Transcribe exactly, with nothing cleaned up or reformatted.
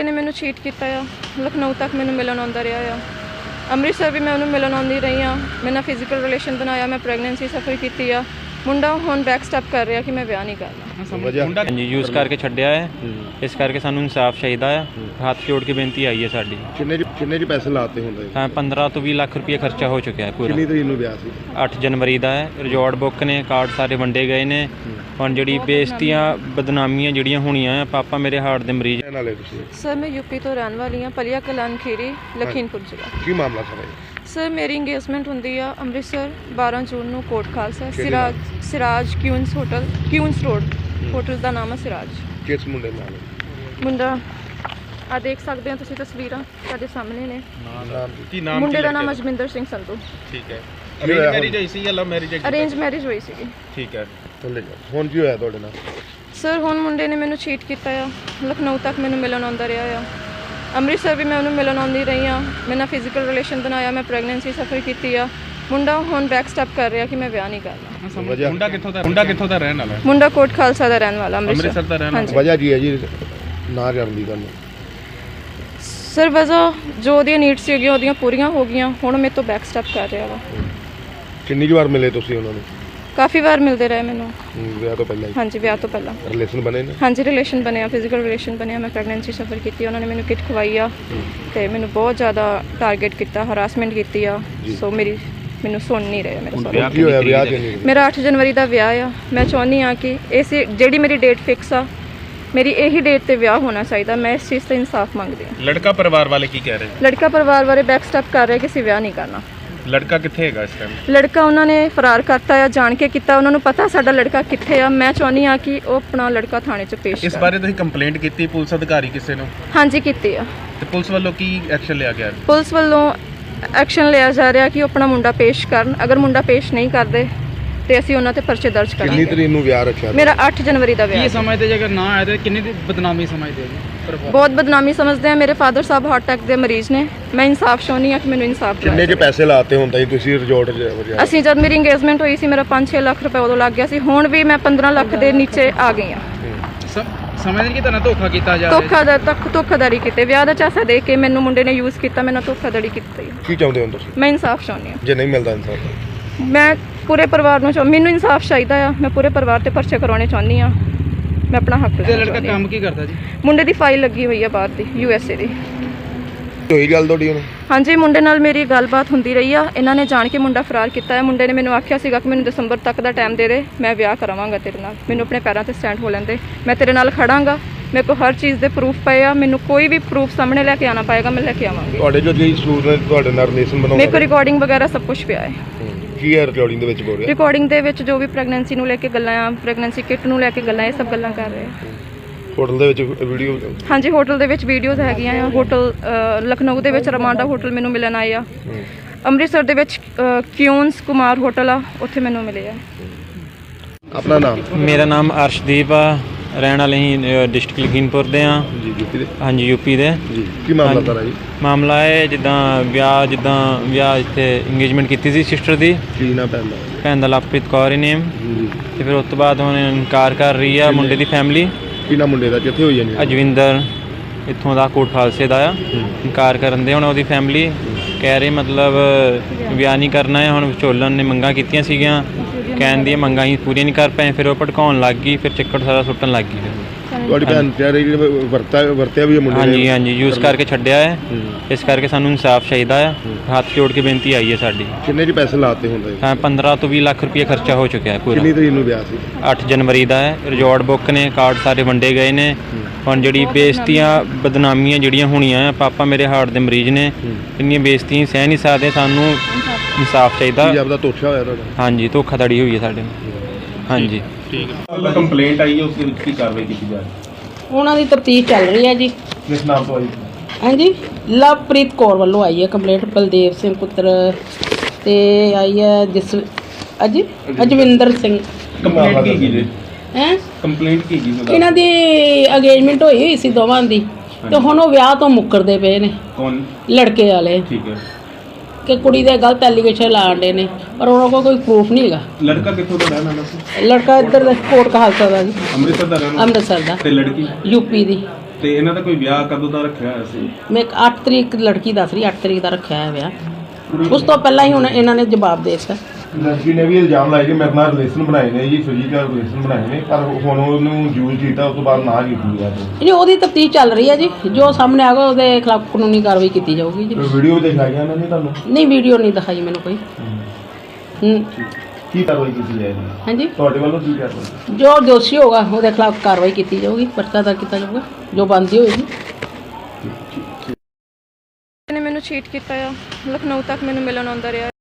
ਮੁੰਡੇ ਨੇ ਮੈਨੂੰ ਚੀਟ ਕੀਤਾ ਆ। ਲਖਨਊ ਤੱਕ ਮੈਨੂੰ ਮਿਲਣ ਆਉਂਦਾ ਰਿਹਾ ਆ। ਅੰਮ੍ਰਿਤਸਰ ਵੀ ਮੈਂ ਉਹਨੂੰ ਮਿਲਣ ਆਉਂਦੀ ਰਹੀ ਹਾਂ। ਮੇਰੇ ਨਾਲ ਫਿਜ਼ੀਕਲ ਰਿਲੇਸ਼ਨ ਬਣਾਇਆ। ਮੈਂ ਪ੍ਰੈਗਨੈਂਸੀ ਸਫਰ ਕੀਤੀ ਆ। ਮੁੰਡਾ ਹੁਣ ਬੈਕ ਸਟੈਪ ਕਰ ਰਿਹਾ ਕਿ ਮੈਂ ਵਿਆਹ ਨਹੀਂ ਕਰਨਾ। ਹਾਂਜੀ ਯੂਜ਼ ਕਰਕੇ ਛੱਡਿਆ ਹੈ, ਇਸ ਕਰਕੇ ਸਾਨੂੰ ਇਨਸਾਫ ਚਾਹੀਦਾ ਆ। ਹੱਥ ਜੋੜ ਕੇ ਬੇਨਤੀ ਆਈ ਹੈ ਸਾਡੀ। ਕਿੰਨੇ ਕਿੰਨੇ ਜੀ ਪੈਸੇ ਲਾਤੇ ਹੁੰਦੇ? ਤਾਂ ਪੰਦਰਾਂ ਤੋਂ ਵੀਹ ਲੱਖ ਰੁਪਏ ਖਰਚਾ ਹੋ ਚੁੱਕਿਆ ਹੈ ਪੂਰਾ। ਕਿੰਨੀ ਤਰੀਕ ਨੂੰ ਵਿਆਹ ਸੀ? ਅੱਠ ਜਨਵਰੀ ਦਾ ਹੈ। ਰਿਜ਼ੋਰਟ ਬੁੱਕ ਨੇ, ਕਾਰਡ ਸਾਰੇ ਵੰਡੇ ਗਏ ਨੇ। ਹੁਣ ਜਿਹੜੀ ਬੇਇੱਜ਼ਤੀਆਂ ਬਦਨਾਮੀਆਂ ਜਿਹੜੀਆਂ ਹੋਣੀਆਂ ਆ, ਪਾਪਾ ਮੇਰੇ ਹਾਰਟ ਦੇ ਮਰੀਜ਼ ਨਾਲੇ ਤੁਸੀਂ? ਸਰ ਮੈਂ ਯੂਪੀ ਤੋਂ ਰਹਿਣ ਵਾਲੀ ਹਾਂ, ਪਲੀਆ ਕਲਾਨ ਖੀਰੀ, ਲਖੀਮਪੁਰ ਜ਼ਿਲ੍ਹਾ। ਕੀ ਮਾਮਲਾ ਸਰ? ਸਰ ਮੇਰੀ ਇੰਗੇਜਮੈਂਟ ਹੁੰਦੀ ਆ ਅੰਮ੍ਰਿਤਸਰ ਬਾਰਾਂ ਜੂਨ ਨੂੰ Kot Khalsa, Siraj Siraj Queens hotel, Queens road hotel ਦਾ ਨਾਮ ਹੈ ਸਿਰਾਜ। ਕਿਸ ਮੁੰਡੇ ਨਾਲ? ਮੁੰਡਾ ਆ ਦੇਖ ਸਕਦੇ ਹੋ ਤੁਸੀਂ ਤਸਵੀਰਾਂ ਸਾਡੇ ਸਾਹਮਣੇ ਨੇ। ਨਾਮ ਕੀ ਨਾਮ? ਮੁੰਡੇ ਦਾ ਨਾਮ ਅਜਮਿੰਦਰ ਸਿੰਘ ਸੰਧੂ। ਠੀਕ ਹੈ। ਅਰੇਂਜ ਮੈਰਿਜ ਹੋਈ ਸੀ ਜਾਂ ਲਵ ਮੈਰਿਜ? ਅਰੇਂਜ ਮੈਰਿਜ ਹੋਈ ਸੀਗੀ। ਠੀਕ ਹੈ। ਹੁਣ ਕੀ ਹੋਇਆ ਤੁਹਾਡੇ ਨਾਲ? ਸਰ ਹੁਣ ਮੁੰਡੇ ਨੇ ਮੈਨੂੰ ਚੀਟ ਕੀਤਾ ਆ। ਲਖਨਊ ਤੱਕ ਮੈਨੂੰ ਮਿਲਣ ਆਉਂਦਾ ਰਿਹਾ ਆ। ਅੰਮ੍ਰਿਤਸਰ ਵੀ ਮੈਂ ਉਹਨੂੰ ਮਿਲਣ ਆਉਂਦੀ ਰਹੀ ਹਾਂ। ਮੇਰੇ ਨਾਲ ਫਿਜ਼ੀਕਲ ਰਿਲੇਸ਼ਨ ਬਣਾਇਆ। ਮੈਂ ਪ੍ਰੈਗਨੈਂਸੀ ਸਫਰ ਕੀਤੀ ਆ। ਮੁੰਡਾ ਹੁਣ ਬੈਕ ਸਟੈਪ ਕਰ ਰਿਹਾ ਕਿ ਮੈਂ ਵਿਆਹ ਨਹੀਂ ਕਰਨਾ। ਮੁੰਡਾ ਕਿੱਥੋਂ ਦਾ ਮੁੰਡਾ ਕਿੱਥੋਂ ਦਾ ਰਹਿਣ ਵਾਲਾ ਹੈ? ਮੁੰਡਾ ਕੋਟ ਖਾਲਸਾ ਦਾ ਰਹਿਣ ਵਾਲਾ, ਅੰਮ੍ਰਿਤਸਰ ਦਾ ਰਹਿਣ ਵਾਲਾ। ਵਜ੍ਹਾ ਕੀ ਹੈ ਜੀ ਨਾ ਕਰਨ ਦੀ ਗੱਲ? ਸਰ ਵਜ੍ਹਾ ਜੋ ਉਹਦੀਆਂ ਨੀਡਸ ਸੀਗੀਆਂ ਉਹਦੀਆਂ ਪੂਰੀਆਂ ਹੋ ਗਈਆਂ। ਹੁਣ ਮੇਰੇ ਤੋਂ ਬੈਕ ਸਟੈਪ ਕਰ ਰਿਹਾ ਵਾ। ਕਿੰਨੀ ਕੁ ਵਾਰ ਮਿਲੇ ਤੁਸੀਂ ਉਹਨਾਂ ਨੂੰ? ਕਾਫੀ ਵਾਰ ਮਿਲਦੇ ਰਹੇ ਮੈਨੂੰ। ਵਿਆਹ ਤੋਂ ਪਹਿਲਾਂ ਹੀ? ਹਾਂਜੀ ਵਿਆਹ ਤੋਂ ਪਹਿਲਾਂ ਰਿਲੇਸ਼ਨ ਬਣੇ ਨੇ? ਹਾਂਜੀ ਰਿਲੇਸ਼ਨ ਬਣਿਆ, ਫਿਜ਼ੀਕਲ ਰਿਲੇਸ਼ਨ ਬਣਿਆ। ਮੈਂ ਪ੍ਰੈਗਨੈਂਸੀ ਸਫਰ ਕੀਤੀ। ਉਹਨਾਂ ਨੇ ਮੈਨੂੰ ਕਿਟ ਖਵਾਈ ਆ ਤੇ ਮੈਨੂੰ ਬਹੁਤ ਜ਼ਿਆਦਾ ਟਾਰਗੇਟ ਕੀਤਾ, ਹਰਾਸਮੈਂਟ ਕੀਤੀ ਆ। ਸੋ ਮੇਰੀ ਮੈਨੂੰ ਸੁਣ ਨਹੀਂ ਰਹੇ ਮੇਰੇ ਸਾਰੇ। ਕੀ ਹੋਇਆ ਵਿਆਹ ਕਿਉਂ ਨਹੀਂ? ਮੇਰਾ ਅੱਠ ਜਨਵਰੀ ਦਾ ਵਿਆਹ ਆ। ਮੈਂ ਚਾਹੁੰਦੀ ਆ ਕਿ ਇਸ ਜਿਹੜੀ ਮੇਰੀ ਡੇਟ ਫਿਕਸ ਆ, ਮੇਰੀ ਇਹੀ ਡੇਟ ਤੇ ਵਿਆਹ ਹੋਣਾ ਚਾਹੀਦਾ। ਮੈਂ ਇਸ ਚੀਜ਼ ਤੇ ਇਨਸਾਫ ਮੰਗਦੀ ਹਾਂ। ਲੜਕਾ ਪਰਿਵਾਰ ਵਾਲੇ ਕੀ ਕਹਿ ਰਹੇ? ਲੜਕਾ ਪਰਿਵਾਰ ਵਾਲੇ ਬੈਕ ਸਟੈਪ ਕਰ ਰਹੇ ਕਿ ਅਸੀਂ ਵਿਆਹ ਨਹੀਂ ਕਰਨਾ। ਲੜਕਾ ਕਿੱਥੇ ਹੈਗਾ ਇਸ ਟਾਈਮ? ਲੜਕਾ ਉਹਨਾਂ ਨੇ ਫਰਾਰ ਕਰਤਾ ਆ, ਜਾਣ ਕੇ ਕੀਤਾ। ਉਹਨਾਂ ਨੂੰ ਪਤਾ ਸਾਡਾ ਲੜਕਾ ਕਿੱਥੇ ਆ। ਮੈਂ ਚਾਹੁੰਦੀ ਆ ਕਿ ਉਹ ਆਪਣਾ ਲੜਕਾ ਥਾਣੇ 'ਚ ਪੇਸ਼ ਇਸ ਬਾਰੇ ਤੁਸੀਂ ਕੰਪਲੇਂਟ ਕੀਤੀ ਪੁਲਿਸ ਅਧਿਕਾਰੀ ਕਿਸੇ ਨੂੰ? ਹਾਂਜੀ ਕੀਤੀ ਆ। ਤੇ ਪੁਲਿਸ ਵੱਲੋਂ ਕੀ ਐਕਸ਼ਨ ਲਿਆ ਗਿਆ? ਪੁਲਿਸ ਵੱਲੋਂ ਐਕਸ਼ਨ ਲਿਆ ਜਾ ਰਿਹਾ ਕਿ ਉਹ ਆਪਣਾ ਮੁੰਡਾ ਪੇਸ਼ ਕਰਨ। ਅਗਰ ਮੁੰਡਾ ਪੇਸ਼ ਨਹੀਂ ਕਰਦੇ ਤੇ ਅਸੀਂ ਉਹਨਾਂ ਤੇ ਪਰਚੇ ਦਰਜ ਕਿੰਨੀ ਕਰਾਂਗੇ। ਤਰੀਕ ਨੂੰ ਵਿਆਹ ਰੱਖਿਆ? ਮੇਰਾ ਅੱਠ ਜਨਵਰੀ ਦਾ ਵਿਆਹ। ਕੀ ਸਮਝਦੇ ਜੇ ਅਗਰ ਨਾ ਆਏ ਤਾਂ ਕਿੰਨੀ ਦੀ ਬਦਨਾਮੀ ਸਮਝਦੇ ਜੀ? ਬਹੁਤ ਬਦਨਾਮੀ ਸਮਝਦੇ ਆ। ਮੇਰੇ ਫਾਦਰ ਸਾਹਿਬ ਹਾਰਟ ਅਟੈਕ ਦੇ ਮਰੀਜ਼ ਨੇ। ਮੈਂ ਇਨਸਾਫ ਚਾਹੁੰਦੀ ਆ ਕਿ ਮੈਨੂੰ ਇਨਸਾਫ ਕਿੰਨੇ ਦਿਵਾਇਆ ਕੇ ਪੈਸੇ ਲਾਤੇ ਹੁੰਦਾ ਜੀ ਤੁਸੀਂ ਰਿਜ਼ੋਰਟ 'ਚ? ਅਸੀਂ ਜਦ ਮੇਰੀ ਇੰਗੇਜਮੈਂਟ ਹੋਈ ਸੀ ਮੇਰਾ ਪੰਜ ਛੇ ਲੱਖ ਰੁਪਏ ਉਦੋਂ ਲੱਗ ਗਿਆ ਸੀ। ਹੁਣ ਵੀ ਮੈਂ ਪੰਦਰਾਂ ਲੱਖ ਦੇ ਨੀਚੇ ਆ ਗਈ ਆ। ਸਮਝਦੇ ਕਿ ਤੁਹਾਨੂੰ ਧੋਖਾ ਕੀਤਾ ਜਾ ਰਿਹਾ? ਧੋਖਾ ਦਾ ਤੱਕ ਧੋਖਾਧੜੀ ਕੀਤੇ। ਵਿਆਹ ਦਾ ਝਾਂਸਾ ਦੇ ਕੇ ਮੈਨੂੰ ਮੁੰਡੇ ਨੇ ਯੂਜ਼ ਕੀਤਾ। ਮੈਨੂੰ ਧੋਖਾਧੜੀ ਕੀਤੀ। ਕੀ ਚਾਹੁੰਦੇ ਹੋ ਤੁਸੀਂ? ਮੈਂ ਇਨਸਾਫ ਚਾਹੁੰਦੀ ਆ। ਜੇ ਨਹੀਂ ਮਿਲਦਾ ਇਨਸਾਫ? ਮੈਂ ਪੂਰੇ ਪਰਿਵਾਰ ਨੂੰ ਚਾਹ ਮੈਨੂੰ ਇਨਸਾਫ ਚਾਹੀਦਾ ਆ। ਮੈਂ ਪੂਰੇ ਪਰਿਵਾਰ ਤੇ ਪਰਚੇ ਕਰਾਉਣੇ ਚਾਹੁੰਦੀ ਆ। ਮੈਂ ਆਪਣਾ ਹੱਕ ਤੇ ਲੜਕਾ ਕੰਮ ਕੀ ਕਰਦਾ ਜੀ? ਮੁੰਡੇ ਦੀ ਫਾਈਲ ਲੱਗੀ ਹੋਈ ਆ ਬਾਹਰ ਦੀ, ਯੂ ਐਸ ਏ ਦੀ। ਹੋਈ ਗੱਲ ਤੁਹਾਡੀ ਹੁਣ? ਹਾਂਜੀ ਮੁੰਡੇ ਨਾਲ ਮੇਰੀ ਗੱਲਬਾਤ ਹੁੰਦੀ ਰਹੀ ਆ। ਇਹਨਾਂ ਨੇ ਜਾਣ ਕੇ ਮੁੰਡਾ ਫਰਾਰ ਕੀਤਾ ਹੈ। ਮੁੰਡੇ ਨੇ ਮੈਨੂੰ ਆਖਿਆ ਸੀਗਾ ਕਿ ਮੈਨੂੰ ਦਸੰਬਰ ਤੱਕ ਦਾ ਟਾਈਮ ਦੇ ਦੇ, ਮੈਂ ਵਿਆਹ ਕਰਾਵਾਂਗਾ ਤੇਰੇ ਨਾਲ। ਮੈਨੂੰ ਆਪਣੇ ਪੈਰਾਂ ਤੇ ਸਟੈਂਡ ਹੋ ਲੈਂਦੇ, ਮੈਂ ਤੇਰੇ ਨਾਲ ਖੜਾਂਗਾ। ਮੇਰੇ ਕੋਲ ਹਰ ਚੀਜ਼ ਦੇ ਪ੍ਰੂਫ ਪਏ ਆ। ਮੈਨੂੰ ਕੋਈ ਵੀ ਪ੍ਰੂਫ ਸਾਹਮਣੇ ਲੈ ਕੇ ਆਉਣਾ ਪਏਗਾ, ਮੈਂ ਲੈ ਕੇ ਆਵਾਂਗੀ। ਤੁਹਾਡੇ ਜੋ ਜੀ ਸਟੂਡੈਂਟ ਤੁਹਾਡੇ ਨਾਲ ਰਿਲੇਸ਼ਨ ਬਣਾਉਂਦੇ? ਮੇਰੇ ਕੋਲ ਰਿਕਾਰਡਿੰਗ ਵਗੈਰਾ ਸਭ ਕੁਝ ਪਿਆ ਹੈ। ਕੀ ਹੈ ਰਿਕਾਰਡਿੰਗ ਦੇ ਵਿੱਚ ਬੋਲ ਰਿਹਾ? ਰਿਕਾਰਡਿੰਗ ਦੇ ਵਿੱਚ ਜੋ ਵੀ ਪ੍ਰੈਗਨੈਂਸੀ ਨੂੰ ਲੈ ਕੇ ਗੱਲਾਂ ਆ, ਪ੍ਰੈਗਨੈਂਸੀ ਕਿਟ ਨੂੰ ਲੈ ਕੇ ਗੱਲਾਂ, ਇਹ ਸਭ ਗੱਲਾਂ ਕਰ ਰਹੇ ਆ। ਹੋਟਲ ਦੇ ਵਿੱਚ ਵੀਡੀਓ? ਹਾਂਜੀ ਹੋਟਲ ਦੇ ਵਿੱਚ ਵੀਡੀਓਜ਼ ਹੈਗੀਆਂ ਆ। ਹੋਟਲ ਲਖਨਊ ਦੇ ਵਿੱਚ ਰਮਾਂਡਾ ਹੋਟਲ ਮੈਨੂੰ ਮਿਲਣ ਆਏ ਆ। ਅੰਮ੍ਰਿਤਸਰ ਦੇ ਵਿੱਚ ਕਿਊਨਸ ਕੁਮਾਰ ਹੋਟਲ ਆ, ਉੱਥੇ ਮੈਨੂੰ ਮਿਲੇ ਆ। ਆਪਣਾ ਨਾਮ? ਮੇਰਾ ਨਾਮ ਅਰਸ਼ਦੀਪ ਆ। ਰਹਿਣ ਵਾਲੇ ਹੀ ਡਿਸਟ੍ਰਿਕਟ ਲਖੀਮਪੁਰ ਦੇ ਆ। ਜੀ ਯੂਪੀ ਦੇ? ਹਾਂਜੀ ਯੂਪੀ ਦੇ। ਜੀ ਕੀ ਮਾਮਲਾ ਤਾਰਾ ਜੀ? ਮਾਮਲਾ ਹੈ ਜਿੱਦਾਂ ਵਿਆਹ ਜਿੱਦਾਂ ਵਿਆਹ ਇੱਥੇ ਇੰਗੇਜਮੈਂਟ ਕੀਤੀ ਸੀ ਸਿਸਟਰ ਦੀ। ਕੀ ਨਾ ਪੈਂਦਾ? ਭੈਣ ਦਾ ਲਵਪ੍ਰੀਤ ਕੌਰ ਹੀ ਨੇਮ। ਜੀ ਤੇ ਫਿਰ ਉਸ ਤੋਂ ਬਾਅਦ ਹੁਣ ਇਨਕਾਰ ਕਰ ਰਹੀ ਆ ਮੁੰਡੇ ਦੀ ਫੈਮਿਲੀ। ਕੀ ਨਾ ਮੁੰਡੇ ਦਾ ਕਿੱਥੇ ਹੋਈ ਜਾਨੀ? ਅਜਵਿੰਦਰ ਇੱਥੋਂ ਦਾ ਕੋਟ ਖਾਲਸੇ ਦਾ ਆ। ਇਨਕਾਰ ਕਰਨ ਦੇ ਹੁਣ ਉਹਦੀ ਫੈਮਿਲੀ ਕਹਿ ਰਹੀ ਮਤਲਬ ਵਿਆਹ ਨਹੀਂ ਕਰਨਾ ਹੈ। ਹੁਣ ਵਿਚੋਲਨ ਨੇ ਮੰਗਾਂ ਕੀਤੀਆਂ ਸੀਗੀਆਂ, ਕਹਿਣ ਦੀਆਂ ਮੰਗਾਂ ਹੀ ਪੂਰੀਆਂ ਨਹੀਂ ਕਰ ਪਏ। ਫਿਰ ਉਹ ਭੜਕਾਉਣ ਲੱਗ ਗਈ, ਫਿਰ ਚੱਕਰ ਸਾਰਾ ਸੁੱਟਣ ਲੱਗ ਗਈ। ਫਿਰ ਤੁਹਾਡੀ ਭੈਣ ਕਹਿ ਰਹੀ ਵਰਤਾ ਵਰਤਿਆ ਵੀ ਮੁੰਡੇ? ਹਾਂਜੀ ਹਾਂਜੀ ਯੂਜ਼ ਕਰਕੇ ਛੱਡਿਆ ਹੈ, ਇਸ ਕਰਕੇ ਸਾਨੂੰ ਇਨਸਾਫ ਚਾਹੀਦਾ ਆ। ਹੱਥ ਜੋੜ ਕੇ ਬੇਨਤੀ ਆਈ ਹੈ ਸਾਡੀ। ਕਿੰਨੇ ਜੀ ਪੈਸੇ ਲਾਤੇ ਹੁੰਦੇ? ਤਾਂ ਪੰਦਰਾਂ ਤੋਂ ਵੀਹ ਲੱਖ ਰੁਪਏ ਖਰਚਾ ਹੋ ਚੁੱਕਿਆ ਹੈ ਪੂਰਾ। ਕਿੰਨੀ ਤਰੀਕ ਨੂੰ ਵਿਆਹ ਸੀ? ਅੱਠ ਜਨਵਰੀ ਦਾ ਹੈ। ਰਿਜ਼ੋਰਟ ਬੁੱਕ ਨੇ, ਕਾਰਡ ਸਾਰੇ ਵੰਡੇ ਗਏ ਨੇ। ਹੁਣ ਜਿਹੜੀ ਬੇਇੱਜ਼ਤੀਆਂ ਬਦਨਾਮੀਆਂ ਜਿਹੜੀਆਂ ਹੋਣੀਆਂ ਆ, ਪਾਪਾ ਮੇਰੇ ਹਾਰਟ ਦੇ ਮਰੀਜ਼ ਨੇ। ਇੰਨੀਆਂ ਬੇਇੱਜ਼ਤੀਆਂ ਸਹਿ ਨਹੀਂ ਸਕਦੇ। ਸਾਨੂੰ ਇਨਸਾਫ ਚਾਹੀਦਾ। ਪੰਜਾਬ ਦਾ ਧੋਖਾ ਹੋਇਆ ਤੁਹਾਡਾ? ਹਾਂਜੀ ਧੋਖਾਧੜੀ ਹੋਈ ਹੈ ਸਾਡੇ ਨਾਲ। ਹਾਂਜੀ ਠੀਕ ਹੈ। ਕੰਪਲੇਂਟ ਆਈ ਹੈ, ਉਸ ਦੇ ਵਿੱਚ ਕੀ ਕਾਰਵਾਈ ਕੀਤੀ ਜਾ ਰਹੀ ਹੈ? ਉਹਨਾਂ ਦੀ ਤਫਤੀਸ਼ ਚੱਲ ਰਹੀ ਹੈ ਜੀ। ਕਿਸ ਨਾਮ ਤੋਂ ਆਈ? ਹਾਂਜੀ ਲਵਪ੍ਰੀਤ ਕੌਰ ਵੱਲੋਂ ਆਈ ਹੈ ਕੰਪਲੇਂਟ। ਬਲਦੇਵ ਸਿੰਘ ਪੁੱਤਰ ਤੇ ਆਈ ਹੈ ਜਿਸ ਅਜੀ ਅਜਵਿੰਦਰ ਸਿੰਘ। ਕੰਪਲੇਂਟ ਕੀ ਕੀ ਜੀ? ਹੈ ਕੰਪਲੇਂਟ ਕੀ ਜੀ? ਇਹਨਾਂ ਦੀ ਅਗੇਜਮੈਂਟ ਹੋਈ ਹੋਈ ਸੀ ਦੋਵਾਂ ਦੀ, ਤੇ ਹੁਣ ਉਹ ਵਿਆਹ ਤੋਂ ਮੁੱਕਰਦੇ ਪਏ ਨੇ। ਕੌਣ? ਲੜਕੇ ਵਾਲੇ। ਠੀਕ ਹੈ। ਕਿ ਕੁੜੀ ਦੇ ਗਲਤ ਐਲੀਗੇਸ਼ਨ ਲਾਉਂਦੇ ਨੇ, ਪਰ ਉਹਨਾਂ ਕੋਲ ਕੋਈ ਪ੍ਰੂਫ ਨਹੀਂ ਹੈਗਾ। ਲੜਕਾ ਕਿੱਥੋਂ ਦਾ ਰਹਿਣ ਵਾਲਾ ਸੀ? ਲੜਕਾ ਇੱਧਰ ਦਾ ਕੋਟ ਖਾਲਸਾ ਦਾ ਜੀ, ਅੰਮ੍ਰਿਤਸਰ ਦਾ ਰਹਿਣ ਵਾਲਾ? ਅੰਮ੍ਰਿਤਸਰ ਦਾ। ਤੇ ਲੜਕੀ? ਯੂਪੀ ਦੀ। ਤੇ ਇਹਨਾਂ ਦਾ ਕੋਈ ਵਿਆਹ ਕਦੋਂ ਦਾ ਰੱਖਿਆ ਹੋਇਆ ਸੀ? ਮੈਂ ਅੱਠ ਤਰੀਕ ਲੜਕੀ ਦੱਸ ਰਹੀ ਅੱਠ ਤਰੀਕ ਦਾ ਰੱਖਿਆ ਹੈ ਵਿਆਹ। ਉਸ ਤੋਂ ਪਹਿਲਾਂ ਹੀ ਹੁਣ ਇਹਨਾਂ ਨੇ ਜਵਾਬ ਦੇ ਦਿੱਤਾ। ਲੜਕੀ ਨੇ ਵੀ ਇਲਜ਼ਾਮ ਲਾਇਆ ਕਿ ਮੇਰੇ ਨਾਲ ਰਿਲੇਸ਼ਨ ਬਣਾਏ ਨੇ ਜੀ, ਫਿਜ਼ੀਕਲ ਰਿਲੇਸ਼ਨ ਬਣਾਏ ਨੇ, ਪਰ ਹੁਣ ਉਹਨੂੰ ਯੂਜ਼ ਕੀਤਾ, ਉਸ ਤੋਂ ਬਾਅਦ ਨਾ ਕੀਤੀ ਹੈ। ਨਹੀਂ, ਉਹਦੀ ਤਫਤੀਸ਼ ਚੱਲ ਰਹੀ ਹੈ ਜੀ, ਜੋ ਸਾਹਮਣੇ ਆਗਾ ਉਹਦੇ ਖਿਲਾਫ ਕਾਨੂੰਨੀ ਕਾਰਵਾਈ ਕੀਤੀ ਜਾਊਗੀ ਜੀ। ਵੀਡੀਓ ਦਿਖਾਈਆਂ ਇਹਨਾਂ ਨੇ ਤੁਹਾਨੂੰ? ਨਹੀਂ, ਵੀਡੀਓ ਨਹੀਂ ਦਿਖਾਈ ਮੈਨੂੰ ਕੋਈ। ਹੂੰ, ਕੀ ਕਾਰਵਾਈ ਕੀਤੀ ਜਾਏਗੀ ਹਾਂਜੀ, ਤੁਹਾਡੇ ਵੱਲੋਂ? ਕੀ ਕਾਰਵਾਈ? ਜੋ ਦੋਸ਼ੀ ਹੋਗਾ ਉਹਦੇ ਖਿਲਾਫ ਕਾਰਵਾਈ ਕੀਤੀ ਜਾਊਗੀ, ਪਰਚਾ ਦਰਜ ਕੀਤਾ ਜਾਊਗਾ ਜੋ ਬਣਦੀ ਹੋਏਗੀ। ਨੇ ਮੈਨੂੰ ਚੀਟ ਕੀਤਾ ਆ, ਲਖਨਊ ਤੱਕ ਮੈਨੂੰ ਮਿਲਣ ਆਉਂਦਾ ਰਿਹਾ।